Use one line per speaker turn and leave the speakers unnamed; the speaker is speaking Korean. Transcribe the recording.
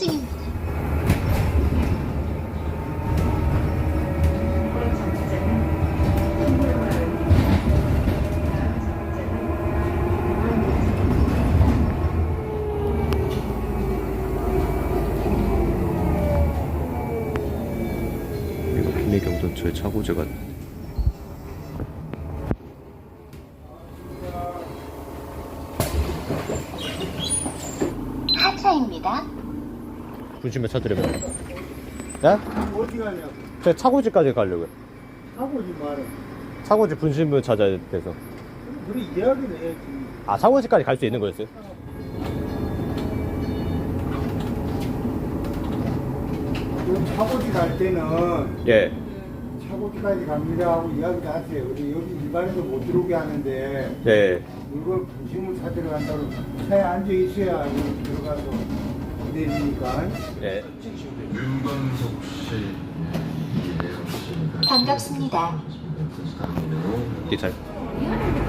중입니다.
이거 김해경전철 차고제가
하차입니다.
분심에 찾으려면 네?
어디 가냐고.
제가 차고지까지 가려고요.
하고지 말아.
차고지 분심을 찾아야 돼서.
그래, 이야기를 해야지.
아, 차고지까지 갈 수 있는 거였어요?
그럼 차고지 갈 때는
예.
차고지까지 갑니다 하고 이야기를 하세요. 근데 여기 일반에서 못 들어오게 하는데
예.
이걸 부심을 찾으러 간다고 차에 앉아 있어야 여기 들어가서 기다리니까.
예.
윤광석 씨, 이혜영 씨.
반갑습니다.
이 잘.